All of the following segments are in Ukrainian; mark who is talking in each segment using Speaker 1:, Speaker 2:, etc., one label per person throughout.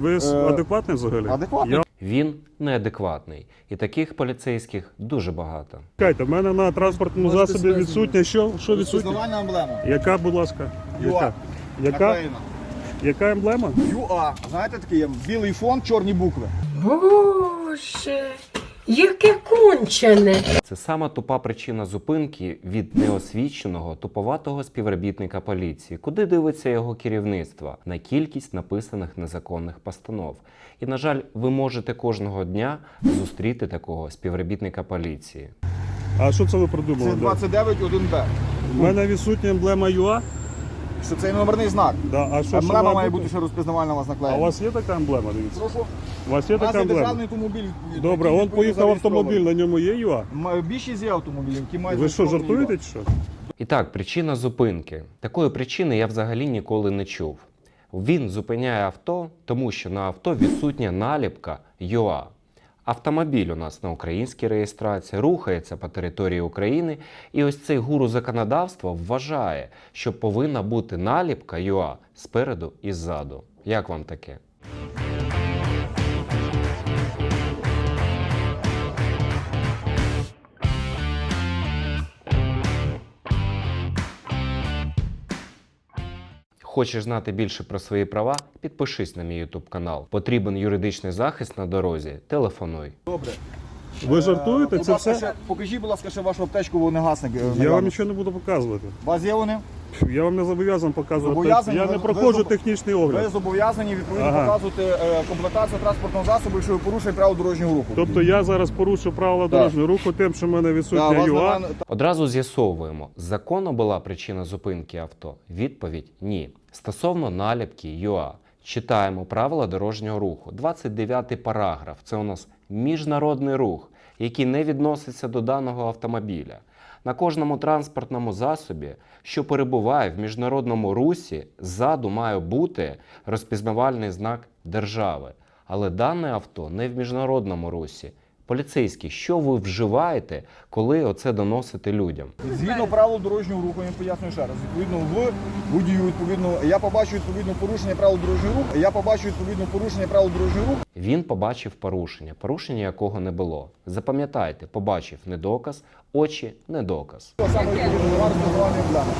Speaker 1: Ви адекватний взагалі?
Speaker 2: Адекватний.
Speaker 3: Він неадекватний. І таких поліцейських дуже багато.
Speaker 1: Чекайте, в мене на транспортному засобі відсутня що? Що відсутнє?
Speaker 2: Розпізнавальна емблема.
Speaker 1: Яка, будь ласка?
Speaker 2: ЮА.
Speaker 1: Яка?
Speaker 2: Наклеєна.
Speaker 1: Яка емблема?
Speaker 2: ЮА. Знаєте, такий є білий фон, чорні букви.
Speaker 4: Боже, яке кончене.
Speaker 3: Це сама тупа причина зупинки від неосвіченого, туповатого співробітника поліції. Куди дивиться його керівництво? На кількість написаних незаконних постанов. І, на жаль, ви можете кожного дня зустріти такого співробітника поліції.
Speaker 1: А що це ви
Speaker 2: Це
Speaker 1: придумали?
Speaker 2: 29.1Б.
Speaker 1: У мене відсутня емблема ЮА.
Speaker 2: Що це номерний знак.
Speaker 1: Да. А що ще
Speaker 2: Емблема має бути ще розпізнавальна у вас
Speaker 1: А у
Speaker 2: наклеєна.
Speaker 1: вас є така емблема, дивіться?
Speaker 2: Прошу.
Speaker 1: У вас є
Speaker 2: У нас
Speaker 1: така
Speaker 2: є
Speaker 1: емблема?
Speaker 2: державний автомобіль.
Speaker 1: Добре,
Speaker 2: який
Speaker 1: он поїхав автомобіль,
Speaker 2: зареєстрований.
Speaker 1: на ньому є ЮА?
Speaker 2: Більшість є автомобілів, які мають
Speaker 1: Ви що,
Speaker 2: зареєстрований
Speaker 1: жартуєте чи що?
Speaker 3: І так, причина зупинки. Такої причини я взагалі ніколи не чув. Він зупиняє авто, тому що на авто відсутня наліпка ЮА. Автомобіль у нас на українській реєстрації, рухається по території України, і ось цей гуру законодавства вважає, що повинна бути наліпка ЮА спереду і ззаду. Як вам таке? Хочеш знати більше про свої права? Підпишись на мій YouTube канал. Потрібен юридичний захист на дорозі? Телефонуй.
Speaker 2: Добре.
Speaker 1: Ви жартуєте?
Speaker 2: Будь
Speaker 1: Це
Speaker 2: ласка,
Speaker 1: все?
Speaker 2: покажіть, будь ласка, ще вашу аптечку вогнегасник.
Speaker 1: Я вам нічого не буду показувати.
Speaker 2: У вас є вони?
Speaker 1: Я вам не зобов'язаний показувати.
Speaker 2: Зобов'язані?
Speaker 1: Я не
Speaker 2: Ви
Speaker 1: проходжу
Speaker 2: зобо-
Speaker 1: технічний
Speaker 2: Ви
Speaker 1: огляд.
Speaker 2: зобов'язані відповідно
Speaker 1: Ага.
Speaker 2: показувати комплектацію транспортного засобу, якщо ви порушуєте правила дорожнього руху.
Speaker 1: Тобто я зараз порушу правила дорожнього руху тим, що в мене
Speaker 2: Да,
Speaker 1: відсутня
Speaker 2: вас
Speaker 1: ЮА.
Speaker 2: на-
Speaker 3: Одразу з'ясовуємо, законно була причина зупинки авто? Відповідь – ні. Стосовно наліпки ЮА. Читаємо правила дорожнього руху. 29-й параграф. Це у нас міжнародний рух, який не відноситься до даного автомобіля. На кожному транспортному засобі, що перебуває в міжнародному русі, ззаду має бути розпізнавальний знак держави. Але дане авто не в міжнародному русі. Поліцейські, що ви вживаєте, коли оце доносите людям?
Speaker 2: Згідно правил дорожнього руху, я пояснюю ще раз. Відповідно, в водію, відповідно, я побачу відповідно порушення правил дорожнього руху. Я побачу відповідно порушення правил дорожнього руху.
Speaker 3: Він побачив порушення якого не було. Запам'ятайте, побачив не доказ, очі не доказ.
Speaker 2: Саме відповідно нема розпізнавальної емблеми.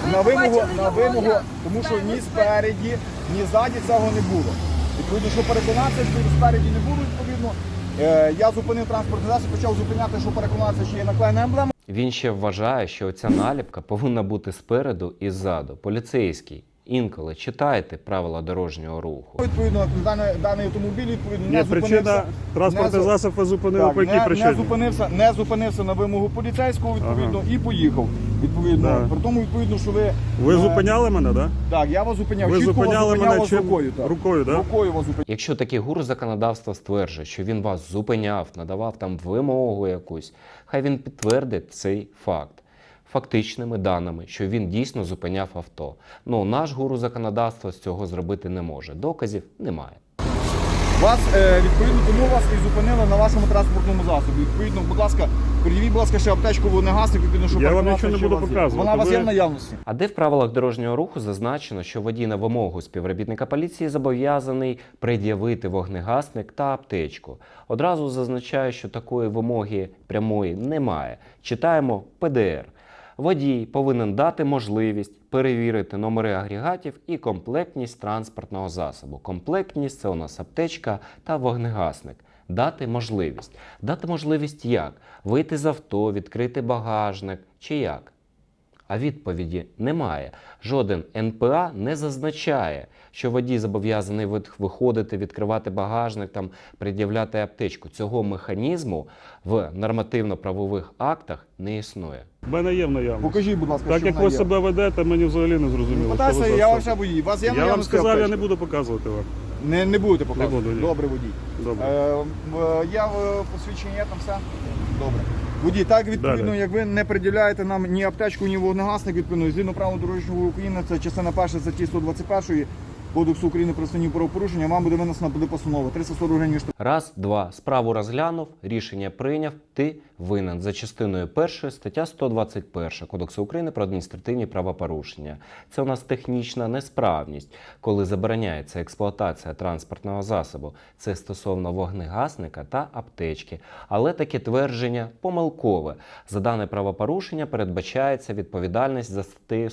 Speaker 2: На вимогу, тому що ні спереді, ні ззаді цього не було. Відповідно, що переконатися, що спереді не було, відповідно. Я зупинив транспортний засіб, почав зупиняти, що переконатися, чи є наклеєна емблема.
Speaker 3: Він ще вважає, що ця наліпка повинна бути спереду і ззаду. Поліцейський, інколи читайте правила дорожнього руху.
Speaker 2: Відповідно, даний автомобіль відповідно
Speaker 1: Ні,
Speaker 2: не
Speaker 1: причина
Speaker 2: зупинився.
Speaker 1: транспортний
Speaker 2: не-
Speaker 1: засіб ви зупинили по якій причині?
Speaker 2: Не зупинився на вимогу поліцейського, відповідно, і поїхав. Відповідно,
Speaker 1: Да.
Speaker 2: при тому, відповідно, що ви...
Speaker 1: Ви зупиняли мене, так?
Speaker 2: Так, я вас зупиняв.
Speaker 1: Ви
Speaker 2: Чітко вас
Speaker 1: зупиняли
Speaker 2: зупиняв
Speaker 1: мене
Speaker 2: вас
Speaker 1: чим?
Speaker 2: рукою. Так.
Speaker 1: Рукою, да?
Speaker 2: Рукою вас зупиняв.
Speaker 3: Якщо такий гуру законодавства стверджує, що він вас зупиняв, надавав там вимогу якусь, хай він підтвердить цей факт фактичними даними, що він дійсно зупиняв авто. Ну, наш гуру законодавства з цього зробити не може. Доказів немає.
Speaker 2: Вас, відповідно, тому вас і зупинили на вашому транспортному засобі. Відповідно, будь ласка, пред'явіть, будь ласка, ще аптечку вогнегасник, відповідно, щоб
Speaker 1: Я вам
Speaker 2: переконатися,
Speaker 1: нічого не
Speaker 2: що
Speaker 1: буду
Speaker 2: у вас є.
Speaker 1: показувати.
Speaker 2: Вона у вас є
Speaker 1: Ви-
Speaker 2: в наявності.
Speaker 3: А де в правилах дорожнього руху зазначено, що водій на вимогу співробітника поліції зобов'язаний пред'явити вогнегасник та аптечку? Одразу зазначаю, що такої вимоги прямої немає. Читаємо ПДР. Водій повинен дати можливість перевірити номери агрегатів і комплектність транспортного засобу. Комплектність – це у нас аптечка та вогнегасник. Дати можливість. Дати можливість як? Вийти з авто, відкрити багажник чи як? А відповіді немає. Жоден НПА не зазначає, що водій зобов'язаний виходити, відкривати багажник, там, пред'являти аптечку. Цього механізму в нормативно-правових актах не існує.
Speaker 1: В мене є в наявності.
Speaker 2: Покажіть, будь ласка,
Speaker 1: Так
Speaker 2: що
Speaker 1: як
Speaker 2: вона
Speaker 1: ви
Speaker 2: є.
Speaker 1: себе ведете, мені взагалі не зрозуміло.
Speaker 2: Питайся,
Speaker 1: що ви
Speaker 2: я
Speaker 1: за
Speaker 2: вам ще водій. У вас є в
Speaker 1: Я вам
Speaker 2: наявності
Speaker 1: сказав, я
Speaker 2: аптечка?
Speaker 1: не буду показувати вам.
Speaker 2: Не будете показувати?
Speaker 1: Не буду, ні.
Speaker 2: Добре, водій.
Speaker 1: Добре.
Speaker 2: Я посвідчення є там все? Добре. Водій, так відповідно,
Speaker 1: Далі.
Speaker 2: як ви не приділяєте нам ні аптечку, ні вогнегасник, відповідно, згідно правил дорожнього руху України, це частина перша статті 121, Кодексу України про адміністративні правопорушення, вам буде винесена буде постанова 340 гривень штрафу.
Speaker 3: Раз, два. Справу розглянув, рішення прийняв, ти винен за частиною 1 стаття 121 Кодексу України про адміністративні правопорушення. Це у нас технічна несправність, коли забороняється експлуатація транспортного засобу. Це стосовно вогнегасника та аптечки. Але таке твердження помилкове. За дане правопорушення передбачається відповідальність за статтею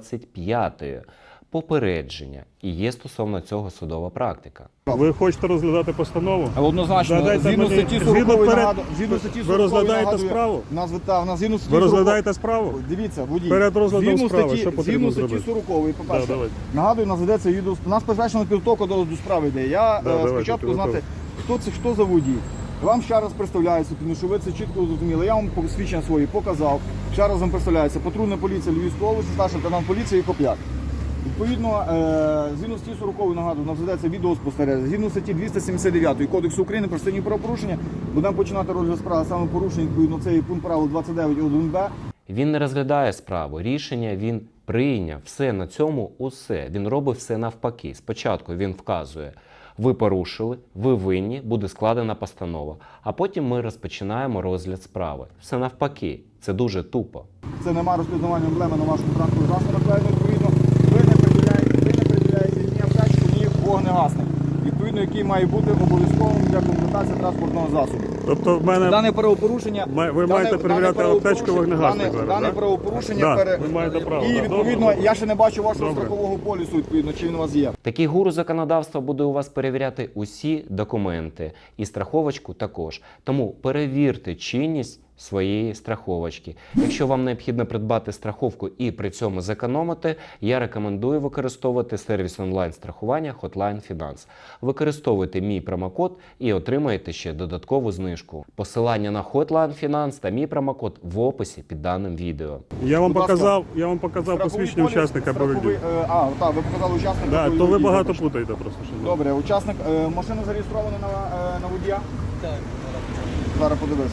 Speaker 3: 125 попередження. І є стосовно цього судова практика.
Speaker 1: Ви хочете розглядати постанову?
Speaker 2: Однозначно,
Speaker 1: Задайте
Speaker 2: згідно
Speaker 1: мені-
Speaker 2: статті
Speaker 1: згідно
Speaker 2: 40
Speaker 1: перед-
Speaker 2: нагадую, згідно статті
Speaker 1: ви
Speaker 2: 40
Speaker 1: розглядаєте
Speaker 2: нагадую,
Speaker 1: справу?
Speaker 2: в нас згідно статті
Speaker 1: Ви
Speaker 2: 40
Speaker 1: розглядаєте справу?
Speaker 2: Дивіться, водій.
Speaker 1: Перед розглядом
Speaker 2: Згідно
Speaker 1: справи,
Speaker 2: статті-
Speaker 1: що потрібно
Speaker 2: згідно статті
Speaker 1: зробити?
Speaker 2: 40, по-перше,
Speaker 1: Да, давайте.
Speaker 2: нагадую, у нас ведеться відео. У нас призначена підготовка до справи йде. Я
Speaker 1: давайте,
Speaker 2: спочатку знати, хто за водій. Вам ще раз представляється, тому що ви це чітко зрозуміли. Я вам посвідчення свої показав. Ще раз вам представляється патрульна поліція Львівської області, старший лейтенант поліції Копляк. Відповідно, згідно статті 40, нагадую, у нас ведеться відеоспостереження. Згідно статті 279 Кодексу України про адміністративні правопорушення будемо починати розгляд справи саме порушення, відповідно, це є пункт правил 29.1б.
Speaker 3: Він не розглядає справу, рішення він прийняв. Все, на цьому усе. Він робить все навпаки. Спочатку він вказує, ви порушили, ви винні, буде складена постанова. А потім ми розпочинаємо розгляд справи. Все навпаки. Це дуже тупо.
Speaker 2: Це немає розпізнавання емблеми на вашому транспортному засобі, накладено, відповідно, ви не приділяєте ні аптечку, ні вогнегасник, відповідно, який має бути обов'язковим для комплектації транспортного засобу.
Speaker 1: Тобто в мене
Speaker 2: Дане правопорушення...
Speaker 1: ви маєте перевіряти аптечку вогнегасник зараз,
Speaker 2: Дане
Speaker 1: так?
Speaker 2: правопорушення...
Speaker 1: Да, ви маєте право.
Speaker 2: І,
Speaker 1: да.
Speaker 2: відповідно,
Speaker 1: Добре.
Speaker 2: я ще не бачу вашого
Speaker 1: Добре.
Speaker 2: страхового полісу, відповідно, чи він у вас є.
Speaker 3: Такий гуру законодавства буде у вас перевіряти усі документи і страховочку також. Тому перевірте чинність своєї страховочки. Якщо вам необхідно придбати страховку і при цьому зекономити, я рекомендую використовувати сервіс онлайн-страхування Hotline Finance. Використовуйте мій промокод і отримаєте ще додаткову знижку. Посилання на Hotline Finance та мій промокод в описі під даним відео.
Speaker 1: Я вам
Speaker 2: Будь ласка.
Speaker 1: показав
Speaker 2: Страховий
Speaker 1: посвідчення
Speaker 2: поліс,
Speaker 1: учасника бойових дій.
Speaker 2: Так, ви показали учасника
Speaker 1: Да,
Speaker 2: бойових
Speaker 1: то ви
Speaker 2: дій,
Speaker 1: багато
Speaker 2: вибачте.
Speaker 1: путаєте просто. Що
Speaker 2: Добре, учасник, машина зареєстрована на водія? Так. Зараз подивися.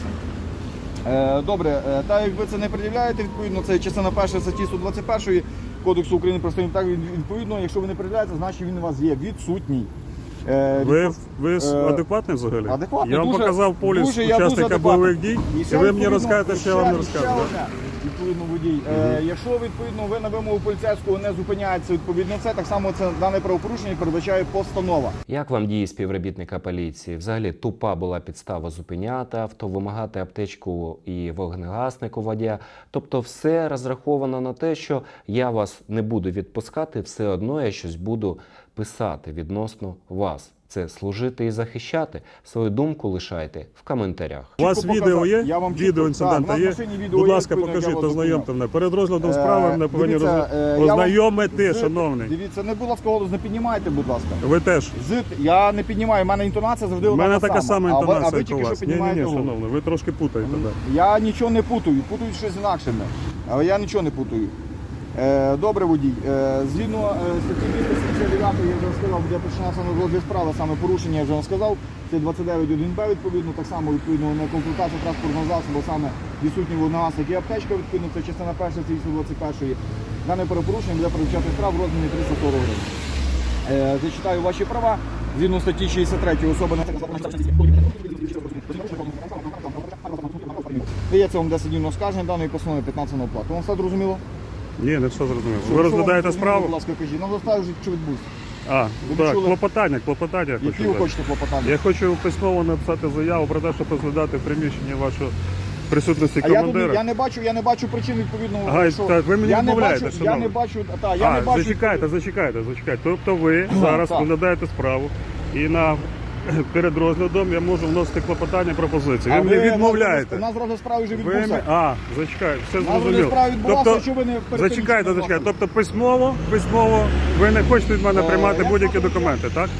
Speaker 2: Добре, так як ви це не пред'являєте, відповідно, це частина 1 статті 121 Кодексу України про адміністративні правопорушення, відповідно, якщо ви не пред'являєте, значить він у вас є відсутній.
Speaker 1: Ви адекватний взагалі?
Speaker 2: Адекватний,
Speaker 1: Я вам
Speaker 2: дуже-
Speaker 1: показав поліс
Speaker 2: дуже, я дуже
Speaker 1: учасника
Speaker 2: адекватний.
Speaker 1: бойових дій, і
Speaker 2: ще,
Speaker 1: ви мені
Speaker 2: відповідно,
Speaker 1: розкажете, що я вам не
Speaker 2: ще
Speaker 1: розказую.
Speaker 2: одне, відповідно, водій. Якщо, відповідно, ви на вимогу поліцейського не зупиняєтеся, відповідно, це так само це дане правопорушення передбачає постанова.
Speaker 3: Як вам дії співробітника поліції? Взагалі тупа була підстава зупиняти авто, вимагати аптечку і вогнегасник у водія. Тобто все розраховано на те, що я вас не буду відпускати, все одно я щось буду писати відносно вас. Це служити і захищати. Свою думку лишайте в коментарях.
Speaker 1: У вас
Speaker 2: Чітко
Speaker 1: відео
Speaker 2: показав.
Speaker 1: є?
Speaker 2: Я вам
Speaker 1: Відео
Speaker 2: чітко-
Speaker 1: інцидента
Speaker 2: так, у
Speaker 1: є?
Speaker 2: нас в машині відео
Speaker 1: Будь
Speaker 2: є,
Speaker 1: ласка,
Speaker 2: відповідно,
Speaker 1: покажіть,
Speaker 2: я вас
Speaker 1: ознайомте мене. Перед розглядом справи мене повинні
Speaker 2: дивіться, я вам-
Speaker 1: ознайомити, шановний.
Speaker 2: Дивіться, не, будь ласка, голос не піднімайте, будь ласка.
Speaker 1: Ви теж.
Speaker 2: Я не піднімаю, в мене інтонація завжди
Speaker 1: У мене
Speaker 2: одна
Speaker 1: така
Speaker 2: сама.
Speaker 1: сама
Speaker 2: А
Speaker 1: інтонація,
Speaker 2: ви
Speaker 1: як у
Speaker 2: тільки що
Speaker 1: вас. Ні,
Speaker 2: піднімаєте голос.
Speaker 1: шановний, ви трошки путаєте. Да.
Speaker 2: Я нічого не путаю, путають щось інакше. Але я нічого не путаю. Добре, водій. Згідно статті 279 я вже сказав, буде починатися на розгляд справи, саме порушення я вже вам сказав. Це 29.1б, відповідно, так само відповідно на комплектацію транспортного засобу, саме відсутні вогнегасник і аптечка, відповідно, це частина 1 статті 121. Дане перепорушення буде передбачати штраф в розмірі 340 гривень. Зачитаю ваші права. Згідно статті 63 особа не дається вам 10 днів на оскарження даної постанови 15 на оплату. Вам все зрозуміло?
Speaker 1: Ні, не все зрозуміло.
Speaker 2: Що
Speaker 1: Ви
Speaker 2: вам
Speaker 1: розглядаєте
Speaker 2: зрозуміло,
Speaker 1: справу?
Speaker 2: Будь ласка, кажіть. Нам заставили, що відбувся. Ви
Speaker 1: Так,
Speaker 2: чули?
Speaker 1: клопотання я
Speaker 2: Які
Speaker 1: хочу
Speaker 2: ви
Speaker 1: дати.
Speaker 2: хочете клопотання?
Speaker 1: Я хочу письмово написати заяву про те, щоб розглядати в приміщенні вашої присутності
Speaker 2: А я тут
Speaker 1: командира.
Speaker 2: я не бачу причин відповідно.
Speaker 1: Ага,
Speaker 2: що
Speaker 1: так, ви мені
Speaker 2: я не
Speaker 1: відмовляєте,
Speaker 2: бачу, я
Speaker 1: шановний.
Speaker 2: не бачу, я не бачу.
Speaker 1: Зачекайте. Тобто ви зараз
Speaker 2: так.
Speaker 1: розглядаєте справу і перед розглядом я можу вносити клопотання пропозиції. Ви мені відмовляєте.
Speaker 2: У нас розгляд справи вже
Speaker 1: Ви
Speaker 2: відбувся.
Speaker 1: зачекайте, все
Speaker 2: У нас розгляд
Speaker 1: зрозуміло.
Speaker 2: справи відбувався, що ви не перед тим,
Speaker 1: Зачекайте.
Speaker 2: що
Speaker 1: Тобто письмово ви не хочете від мене приймати
Speaker 2: я
Speaker 1: будь-які
Speaker 2: просто-
Speaker 1: документи, так?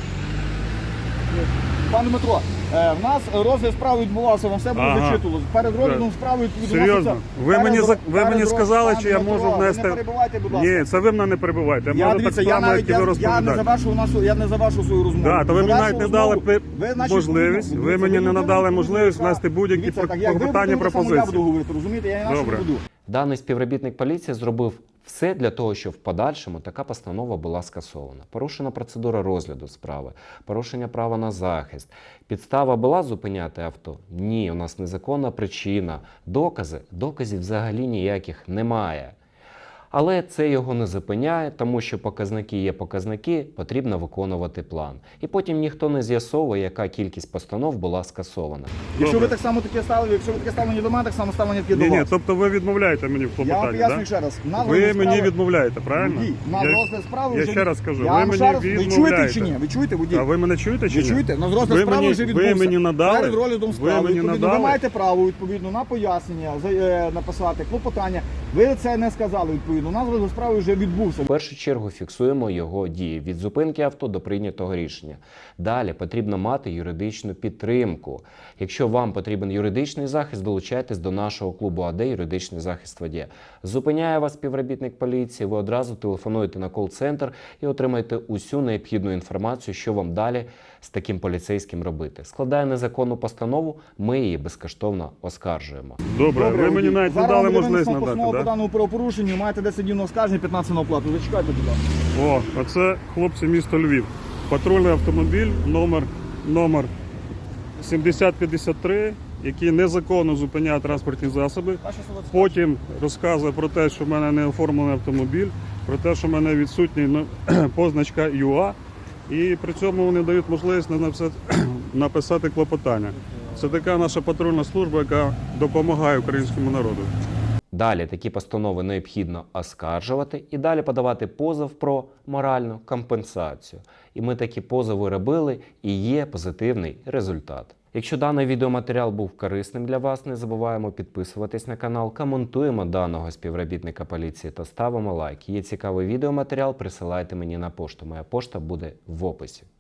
Speaker 2: Пане Дмитро, в нас розгляд справи відбувався, вам все було
Speaker 1: Ага.
Speaker 2: зачитувалося. Перед розглядом справи відбувався.
Speaker 1: Серйозно? Ви мені сказали, чи я можу внести...
Speaker 2: Ви не перебивайте, будь ласка.
Speaker 1: Ні, це ви мене не перебивайте.
Speaker 2: Я
Speaker 1: Можу
Speaker 2: дивіться,
Speaker 1: так само, як і ви розповідаєте.
Speaker 2: я не завершив свою розмову.
Speaker 1: Да, то ви мені навіть не дали
Speaker 2: значить,
Speaker 1: можливість, ви мені не надали можливість внести будь-які
Speaker 2: Дивіться, так, як ви
Speaker 1: клопотання,
Speaker 2: будете, так само
Speaker 1: пропозиції.
Speaker 2: Я буду говорити, розумієте? Я інакше
Speaker 1: Добре.
Speaker 2: не буду.
Speaker 3: Даний співробітник поліції зробив все для того, щоб в подальшому така постанова була скасована. Порушена процедура розгляду справи, порушення права на захист. Підстава була зупиняти авто? Ні, у нас незаконна причина. Доказів взагалі ніяких немає. Але це його не зупиняє, тому що показники є показники, потрібно виконувати план. І потім ніхто не з'ясовує, яка кількість постанов була скасована.
Speaker 2: Якщо ви так само таке ставили, якщо ви таке ставлення до мене, так само ставлення таке до
Speaker 1: Ні,
Speaker 2: вас.
Speaker 1: ні, тобто ви відмовляєте мені в
Speaker 2: Я вам
Speaker 1: клопотанні,
Speaker 2: пояснюю
Speaker 1: так?
Speaker 2: ще раз. На
Speaker 1: Ви
Speaker 2: розгляд
Speaker 1: мені
Speaker 2: справи-
Speaker 1: відмовляєте, правильно?
Speaker 2: Водій, на розгляд справи
Speaker 1: я
Speaker 2: вже
Speaker 1: ще раз кажу,
Speaker 2: я
Speaker 1: ви
Speaker 2: вам
Speaker 1: мені
Speaker 2: ще раз- Ви чуєте
Speaker 1: відмовляєте.
Speaker 2: чи ні? Ви чуєте, водій?
Speaker 1: А ви мене чуєте чи
Speaker 2: Ви
Speaker 1: ні?
Speaker 2: чуєте? На розгляд
Speaker 1: Ви
Speaker 2: справи
Speaker 1: мені-
Speaker 2: вже
Speaker 1: ви
Speaker 2: відбувся.
Speaker 1: мені надали?
Speaker 2: Перед розглядом
Speaker 1: Ви
Speaker 2: справи,
Speaker 1: мені
Speaker 2: відповідно,
Speaker 1: надали?
Speaker 2: ви маєте право, відповідно, на пояснення, написати клопотання. Ви це не сказали, відповідно. У нас розгляд справи вже відбувся.
Speaker 3: В першу чергу фіксуємо його дії від зупинки авто до прийнятого рішення. Далі потрібно мати юридичну підтримку. Якщо вам потрібен юридичний захист, долучайтесь до нашого клубу АД «Юридичний захист водія». Зупиняє вас співробітник поліції, ви одразу телефонуєте на кол-центр і отримаєте усю необхідну інформацію, що вам далі з таким поліцейським робити. Складає незаконну постанову, ми її безкоштовно оскаржуємо.
Speaker 1: Добре, ви мені
Speaker 2: водій.
Speaker 1: навіть не
Speaker 2: Зараз
Speaker 1: дали
Speaker 2: вам буде
Speaker 1: можливість
Speaker 2: винесено
Speaker 1: надати,
Speaker 2: постанову по
Speaker 1: так?
Speaker 2: даному правопорушенню, маєте 10 днів на оскарження, 15 на оплату. Зачекайте, будь ласка.
Speaker 1: О, а це хлопці місто Львів. Патрульний автомобіль номер 7053, який незаконно зупиняє транспортні засоби.
Speaker 2: Ваше слово це
Speaker 1: Потім розказує про те, що в мене не оформлений автомобіль, про те, що в мене відсутній позначка ЮА. І при цьому вони дають можливість написати клопотання. Це така наша патрульна служба, яка допомагає українському народу.
Speaker 3: Далі такі постанови необхідно оскаржувати і далі подавати позов про моральну компенсацію. І ми такі позови робили, і є позитивний результат. Якщо даний відеоматеріал був корисним для вас, не забуваємо підписуватись на канал, коментуємо даного співробітника поліції та ставимо лайк. Є цікавий відеоматеріал, присилайте мені на пошту. Моя пошта буде в описі.